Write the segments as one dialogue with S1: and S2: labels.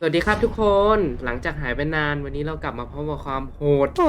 S1: วัสดีครับทุกคน หลังจากหายไปนานวันนี้เรากลับมาพร้อมกับความโหด
S2: โอ้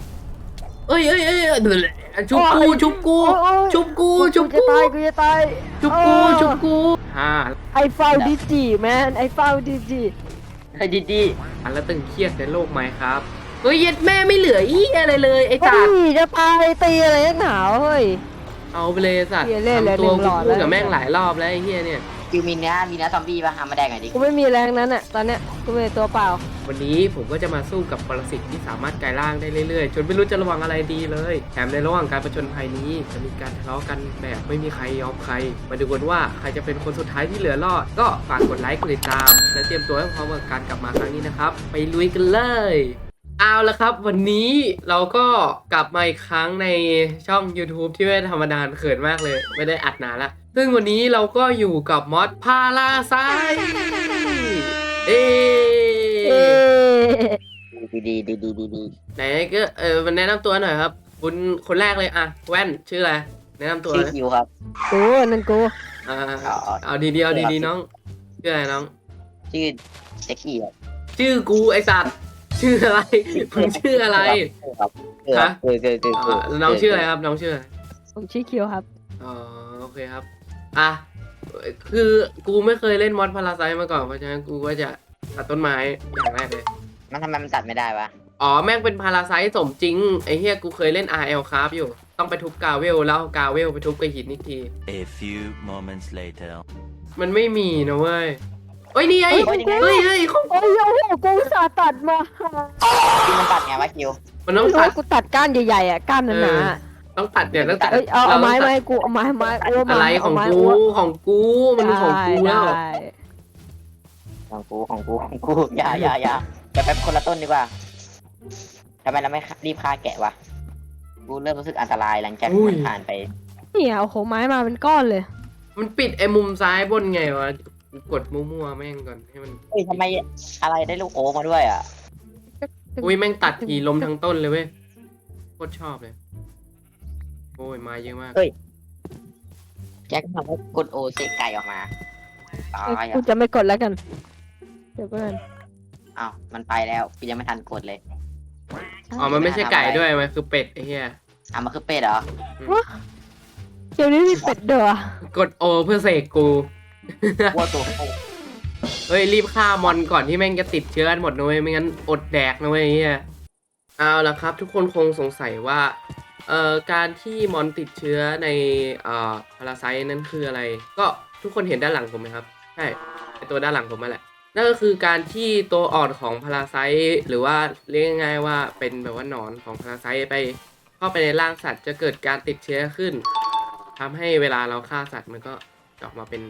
S1: ชุบกูชุบกูชุบกูชุบ
S2: จะ
S1: กู
S2: ตายกูจะตาย
S1: ชุบกูชุบกูฮ่า
S2: I found it man I found it
S3: เฮ้ยดี
S1: อันแล้วตึงเครียดในโลกไหมครับเฮ้ยเย็ดแม่ไม่เหลืออีอะไรเลยไอ้
S2: เฮ้
S1: สัตว์
S2: ยจะตายตีอะไรนักหนาวเฮ้ย
S1: เอาไปเลยสัตว์
S2: เหี้ยเล่นเลย
S1: ทำตัว
S2: หนึ่งหล
S1: กู
S2: อด
S1: พูด
S2: แล้ว
S1: กับแม่งหลายรอบแล้วไอ้เหี้ยเนี่ย
S3: คิวมีเนื้อซอมบี้ป่ะเอามาแดงหน่อยดิ
S2: กูไม่มีแรงนั้นอ่ะตอนเนี้ยกูมีตัวเปล่า
S1: วันนี้ผมก็จะมาสู้กับปรสิตที่สามารถกลายร่างได้เรื่อยๆจนไม่รู้จะระวังอะไรดีเลยแถมในระหว่างการผจญภัยนี้จะมีการทะเลาะกันแบบไม่มีใครยอมใครมาดูกันว่าใครจะเป็นคนสุดท้ายที่เหลือรอดก็ฝากกดไลค์กดติดตามและเตรียมตัวให้พร้อมกับการกลับมาครั้งนี้นะครับไปลุยกันเลยเอาละครับวันนี้เราก็กลับมาอีกครั้งในช่อง YouTube ที่ไม่ธรรมดาเขินมากเลยไม่ได้อัดนานละซึ่งวันนี้เราก็อยู่กับมอดพาราไซเอ
S2: เอ๊ะ
S3: ดี
S1: ไหนก็มันแนะนำตัวหน่อยครับคุณคนแรกเลยอ่ะแว่นชื่ออะไรแนะนำตัว
S3: ชื่อ
S1: เลย
S3: คิวครับ
S2: กูนั่นกู
S1: อ่า
S3: อ๋อ
S1: เอาดีๆเอาดีๆน้องชื่ออะไรน้อง
S3: ชื่อเซ็กซี่ครับ
S1: ชื่อกูไอสัตว์ชื่ออะไรมึงชื่ออะไร
S3: ครับ
S1: ฮะ
S3: เกิด
S1: อ่าน้องชื่ออะไรครับน้องชื่ออะไร
S2: ผมชื่อคิวครับ
S1: อ๋อโอเคครับอ่ะคือกูไม่เคยเล่นมอดพาราไซมาก่อนเพราะฉะนั้นกูก็จะตัดต้นไม้อย่างแรกเลย
S3: มันทำไมมันตัดไม่ได้วะ
S1: อ๋อแม่งเป็นพาราไซสมจริงไอ้เฮียกูเคยเล่น RL ครับอยู่ต้องไปทุบกาเวลแล้วเอากาเวลไปทุบกับหินอีกที
S4: A few moments later.
S1: มันไม่มีนะเว้ยเอ้ยนี่ไงเฮ้ยของ
S2: โอ้ยโอ้โหกูอุตสาห์ตัดมา
S3: คิวมันตัดไงวะคิว
S1: มันต้อง
S2: ไม่รู้
S1: ตัด
S2: กูตัดก้านใหญ่ๆอ่ะก้านหนาๆอะ
S1: ต้องตัดเนี่ยต้องตัด
S2: เอ้ยเอาไม้
S1: ร
S2: ไม้
S1: ต้ง
S2: กูเอาไม้โอ้
S1: ตัดอะไรของ
S2: ไม้
S1: กู
S2: อ้ว
S1: ของกูมันของกูแล้ว
S2: ได้
S3: ของกูอย่าจะไปคนละต้นดีกว่าทำไมเราไม่รีบฆ่าแกะวะกูเริ่มรู้สึกอันตรายหลังจากที่มันผ่านไป
S2: เนี่ยเอาโหไม้มาเป็นก้อนเลย
S1: มันปิดไอ้มุมซ้ายบนไงวะกูกดมั่วๆแม่งก่อนให้มัน
S3: เฮ้ยทำไมอะไรได้ลูกโอ๊มาด้วยอ่ะ
S1: อุ้ยแม่งตัดทีล้มทั้งต้นเลยเว้ยโคตรชอบเลยโอ้ยมาเยอะมาก
S3: แจ็คทำให้กดโอเซกไก่ออกมาตาย
S2: กู
S3: อ่ะ
S2: จะไม่กดแล้วกัน เดี๋ยวก่อน
S3: อ้าวมันไปแล้วกูยังไม่ทันกดเลย
S1: อ๋อมันไม่ใช่ไก่ด้วยมันคือเป็ดไอ้เหี้ย
S3: อ่ะมันคือเป็ดเหรอ
S2: เดี๋ยวนี้มีเป็ดเด้อก
S1: ดโอเพื่อเสกกู
S3: วัวตัวโต
S1: เฮ้ยรีบฆ่ามอนก่อนที่แม่งจะติดเชื้อกันหมดนะเว้ยไม่งั้นอดแดกนะเว้ยไอ้เหี้ยเอาละครับทุกคนคงสงสัยว่าการที่มอนติดเชื้อในพาราไซต์นั้นคืออะไร ก็ทุกคนเห็นด้านหลังผมไหมครับใช่ไอตัวด้านหลังผมนั่นแหละนั่นก็คือการที่ตัวอ่อนของพาราไซต์หรือว่าเรียกง่ายๆว่าเป็นแบบว่าหนอนของพาราไซต์ไปเข้าไปในร่างสัตว์จะเกิดการติดเชื้อขึ้นทำให้เวลาเราฆ่าสัตว์มันก็ออกมาเป็น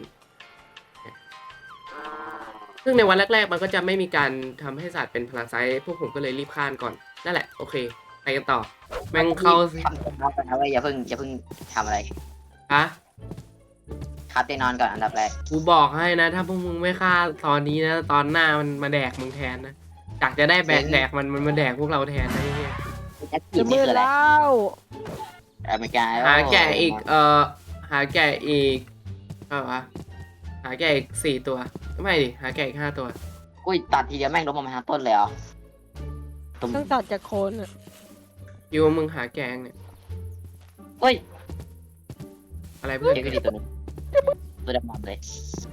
S1: ซึ่งในวันแรกๆมันก็จะไม่มีการทำให้สัตว์เป็นพาราไซต์พวกผมก็เลยรีบฆ่าก่อนนั่นแหละโอเคไปกันต่อแม่งเข้าสิ
S3: ทำเตียงนอนก่อนนะเว้ยอย่าเพิ่งทำอะไร
S1: ฮะ
S3: ครับเตียงนอนก่อนอันดับแรก
S1: กูบอกให้นะ ถ้าพวกมึงไม่ฆ่าตอนนี้นะตอนหน้ามันมาแดกมึงแทนนะจากจะได้แบกแดกมันมาแดกพวกเราแทนนะไอ้เหี้ย
S3: แจ็ค
S2: จะ
S3: กี้นี่
S2: มื
S3: คือ
S2: ด
S3: อะไร
S2: แล้ว
S3: อเมริกา
S1: หาแกะอีกหาแกะอีกเท่าไหร่วะหาแกะอีก4 ตัวไม่ดิหาแกะอีก5 ตัว
S3: อุ้ยตัดทีเดียวแม่งล้มออกมาทั้งต้นเลยเหรอตุ้ม
S2: ต้องตัดจากโคนอ่ะ
S1: คิดว่ามึงหาแกงเนี่ย
S3: เฮ้ย
S1: อะไรเพื่อน
S3: เดี๋ยวก็ดีตัวนึงตัวดำๆเลย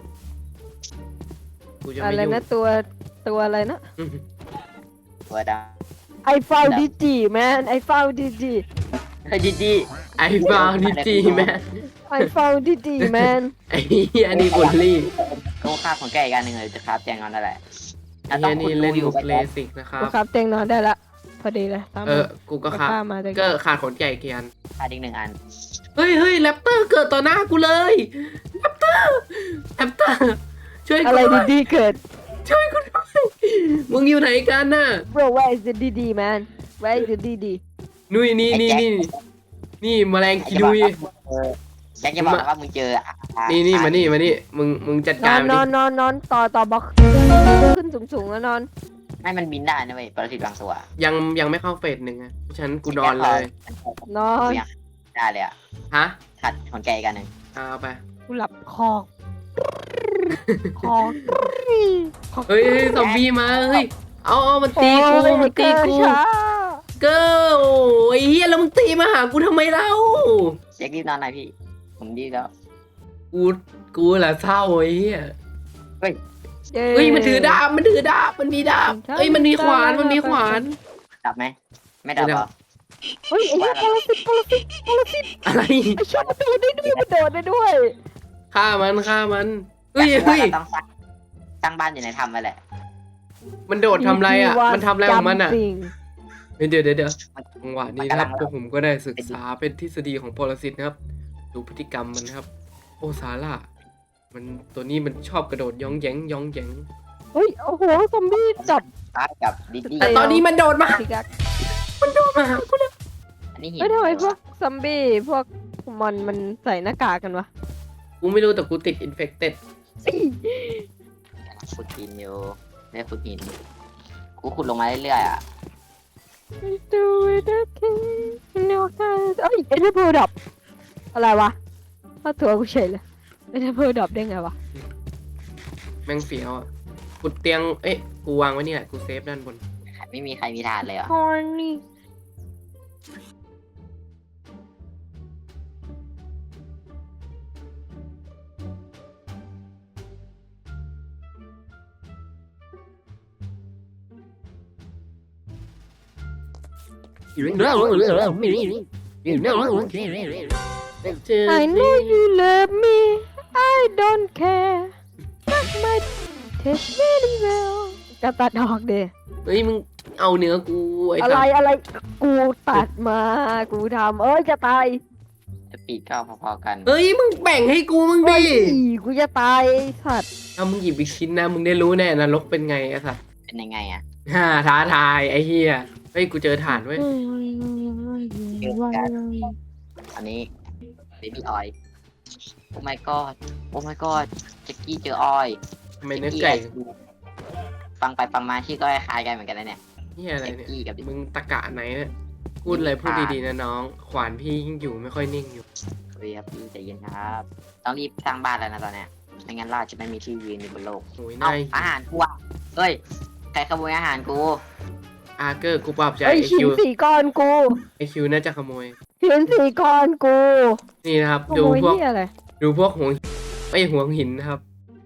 S1: กูจะ
S2: อะ
S1: ไม่
S2: ไร
S1: ยุ่ง
S2: นะตัวอะไรนะ
S3: ตัวด
S2: I found it man I found it
S3: ำเฮ้ยดี
S1: ไอ้บ้านี่จีแม่
S2: I found it man
S1: ไอ้เหี้ยนี่บุลลี่
S3: เขาฆ่าของแกอีกอันหนึ่งเลยจะครับเตียงนอนนั่นแหละ
S1: ไอ้เหี้ยนี่เล่นมุกเลสิกนะครับ
S2: กูครับเตียงนอนได้ละพอดีเลยตาม
S1: กูก็ครับ
S2: ข้ามาแต่
S1: ก็ขาดขนไก่เกียน
S3: ฆ่าอีก1 อัน
S1: เฮ้ยแรปเตอร์เกิดต่อหน้ากูเลยแรปเตอร์ช่วยกู
S2: อะไร
S1: ด้วย
S2: ดีๆเกิด
S1: ช่วยกูด้วยมึงอยู่ไหนกันน่ะ
S2: bro where is the DD man where is the DD
S1: นุ้ยนี่แมลงกินุย
S3: แจ็คจะบอกนะว่ามึงเจอ
S1: นี่มานี่มึงจัด
S2: น
S1: กา
S2: อ
S1: ร
S2: น
S1: มัน
S2: น
S1: ดิ
S2: อนต่อบล็อกขึ้นสูงๆแล้วนอน
S3: ให้มันบินได้นะเว้ยปรสิตบางตัว
S1: ยังไม่เข้าเฟส 1อ่ะฉันกูนอนเลย
S2: นอน
S3: ได้เลยอ่ะ
S1: ฮะ
S3: ขัดของแกอีกอันหนึ่ง
S1: เอาไป
S2: กูหลับคอกขอ
S1: เฮ้ยซอมบี้มาเฮ้ยเอามันตีกูมันตีกู
S2: ช้า
S1: เกิร์ลโอ้ยเฮียแล้วมึงตีมาหากูทำไมเล่า
S3: เช็ครีบนอนหน่อยพี่ ผมดีแล้ว
S1: กูแหละเศร้าไอ้เฮีย
S3: เฮ้ย
S1: เฮ้ยมันถือดาบมันมีดาบเฮ้ยมันมีขวาน
S3: ดับไหม ไม่ดับเหรอ
S2: เฮ้ยไอ้เหี้ยปรสิต
S1: อะไร
S2: ไอ้ชอบมันโดดได้ด้วย
S1: ฆ่ามันเฮ้ย
S3: แต่ว่าเราต้องสร้างบ้านอยู่ในถ้ำไปแหละ
S1: มันโดดทำอะไรอ่ะมันทำอะไรของมันอ่ะ
S2: จริง
S1: เดี๋ยวจังหวะนี้นะครับพวกผมก็ได้ศึกษาเป็นทฤษฎีของปรสิตนะครับดูพฤติกรรมมันนะครับ โอซาร่ามันตัวนี้มันชอบกระโดดย่องแยง
S2: เฮ้ยโอ้โหซอมบี้จับ
S3: บ้านกับดิดดี้
S1: แต่ตอนนี้มันโดดมา
S2: สิกัก
S1: มาหากูแล้ว
S3: อันนี้หิน
S2: เฮ้ยทำไมพวกซอมบี้พวกมันใส่หน้ากากกันวะ
S1: กูไม่รู้แต่กูติดอินเฟคเต็ด
S3: ขุดหินอยู่ได้ขุดหิน กูขุดลงมาเรื่อยๆอ่ะ
S2: Do it again in your eyes เอ้ยเอเดอร์เพลดับอะไรวะมาตัวกูเฉยเลยเอเดอร์เพลดับได้ไงวะ
S1: แม่งเฟี้ยวอ่ะกูเตียงกูวางไว้นี่แหละกูเซฟด้านบน
S3: ไม่มีใครมีฐานเลยเหรอ
S2: Horny
S1: เจอ
S2: I know you love me I don't care Not my taste very well จะตัดดอกเด
S1: เฮ้ยมึงเอาเนื้อกูไอ้
S2: อะไร
S1: สัส
S2: อะไรกูตัดมากูทำจะตาย
S3: จะปีกก็พอๆกัน
S1: เฮ้ยมึงแบ่งให้กูมึง
S2: โอ้
S1: ดิ
S2: ยกูจะตายไอ้สัตว์
S1: ถ้ามึงหยิบอีกชิ้นนะมึงได้รู้แน่นรกเป็นไงไอ้สัส
S3: เป็นยังไงอ่ะ
S1: ท้าทายไอ้เฮียเฮ้ยกูเจอฐานเว้ย
S3: อันนี้ baby oil โอ้ my god โอ้ my god แจ็กกี้เจอออย
S1: ทำไมเนื้อไก่
S3: ฟังไปฟังมาชื่อก็คล้ายกันเหมือนกันนะเนี่ย
S1: เฮียอะไร
S3: แจ็ก
S1: เนี่ย
S3: กี้กับ
S1: มึงตะกะไหนเนี่ยพูดอะไรพูดดีๆนะน้อง ขวานพี่ยิ่งอยู่ไม่ค่อยนิ่งอยู่
S3: เฮ้ยครับพี่ใจเย็นครับ ต้องรีบสร้างบ้านแล้วนะตอนเนี้ยไม่งั้นเราจะไม่มีที่ยืนอยู่บนโลก
S1: โอ้ย
S3: เอา
S1: นาย
S3: อาหารกูอ่ะเฮ้ย ใครขโมยอาหารกู
S1: อาร์เกอร์กูปรับใจ
S2: ไอ้
S1: ไอ
S2: ชิ้น
S1: คิว
S2: สี่ก้อนกู
S1: ไอคิวน่าจะขโมย
S2: ชิ้นสี่ก้อนกู
S1: นี่นะครับ
S2: ข
S1: ดู
S2: โมย
S1: พวก
S2: ที่อะไร
S1: ดูพวกห่วงหินนะครับ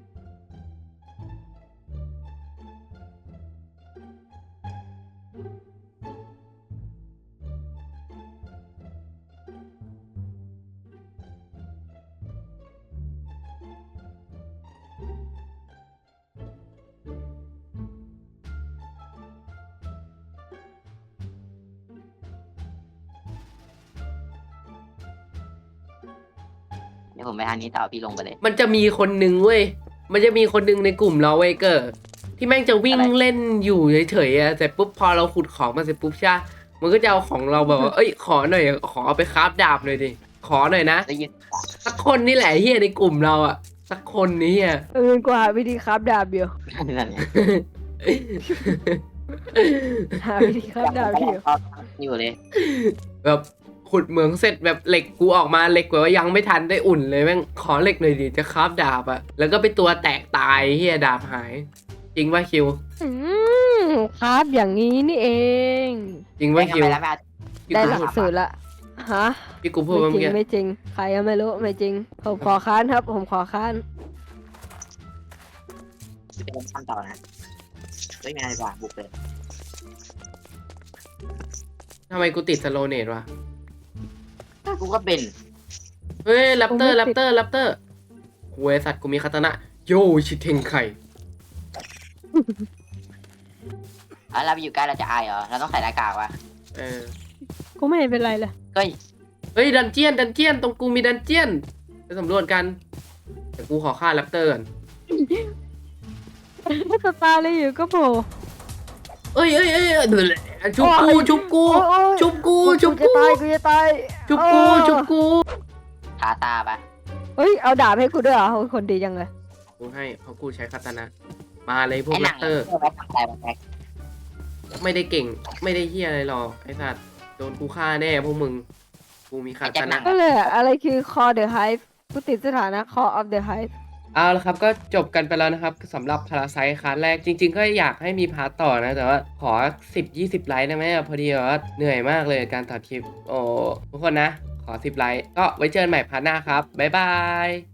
S3: เดี๋ยวผมไปทางนี้ต่อพี่ลงไปเลย
S1: มันจะมีคนหนึ่งเว้ย มันจะมีคนหนึ่งในกลุ่มเราเว้ยเกอร์ที่แม่งจะวิ่ง
S3: อะไร
S1: เล่นอยู่เฉยๆอะแต่ปุ๊บพอเราขุดของมาเสร็จปุ๊บใช่ปะมันก็จะเอาของเราแบบว่า เอ้ยขอหน่อยขอเอาไปคราฟดาบหน่อยดิ ขอหน่อยนะ
S3: ได้ยิน
S1: สักคนนี่แหละเฮียในกลุ่มเราอะสักคนนี้อะ
S2: กูหาวิธีครับดาบเดียว
S3: นั่นไง
S2: หาวิธีครับดาบเดียว
S3: อยู่เลย
S1: แบบขุดเหมืองเสร็จแบบเหล็กกูออกมาเหล็กกว่ายังไม่ทันได้อุ่นเลยแม่งขอเหล็กหน่อยดิจะคราฟดาบอะแล้วก็ไปตัวแตกตายเฮียดาบหาย จริงว่าคิว
S2: ครับอย่างนี้นี่เอง
S1: จริงว่าคิว
S3: ไปแล้วไป
S1: พี่
S2: ได้
S1: กู
S2: หลัก
S1: พูด
S2: สูตรละฮะ
S1: พี่กูพูด
S2: ไม่
S1: ว่า
S2: จริ
S1: เมื่อง กี้
S2: ไม่จริง ใครก็ไม่รู้ไม่จริง ผมขอค้านครับ ผมขอค้าน
S3: จะเป็นขั้นต่อนะเฮ้ยไม่ได้ว่ะบุกเลย
S1: ทำไมกูติดสโลเนตวะ
S3: กูก็เป็น
S1: เฮ้ยแรปเตอร์หวยสัตว์กูมีคาตานะโยชิเทงไข่
S3: เราไปอยู่ใกล้เราจะอายเหรอ เราต้องใส่หน้ากากวะ
S1: เออ
S2: กูไม่เห็นเป็นไรเลย
S3: เฮ้ย
S1: เฮ้ยดันเจียนตรงกูมีดันเจียนไปสำรวจกันแต่กูขอฆ่าแรปเตอร์ก่อน
S2: สตาร์เลยอยู่ก็โผล่
S1: เอ้ยชุบกู
S2: โอ้ย
S1: ชุบกู
S2: โอ้ย
S1: ชุบกู
S2: กูจะตายกูจะตาย
S1: ชุบกู
S2: เออ
S1: ชุบกู
S3: ทาตาปะ
S2: เฮ้ยเอาดาบให้กูด้วยเหรอโอ้ยคนดีจังเลย
S1: กูให้เพราะกูใช้คาตานะมาเลยพวก
S3: ไอ้ห
S1: แร
S3: นัง
S1: ปเตอร์
S3: ไว้ทำอะไรบ้างแท็ก
S1: ไม่ได้เก่งไม่ได้เฮียอะไรหรอกไอ้สัตว์โดนกูฆ่าแน่พวกมึงกูมีคาตานะ
S2: ก็เลยอะไรคือ call the hive กูติดสถานะ call of the hive
S1: เอาละครับก็จบกันไปแล้วนะครับสำหรับพาราไซต์คลาสแรกจริงๆก็อยากให้มีพาร์ทต่อนะแต่ว่าขอ10-20 ไลค์ได้ไหมพอดีว่าเหนื่อยมากเลยการตัดคลิปโอ้ทุกคนนะขอ10 ไลค์ก็ไว้เจอกันใหม่พาร์ทหน้าครับบ๊ายบาย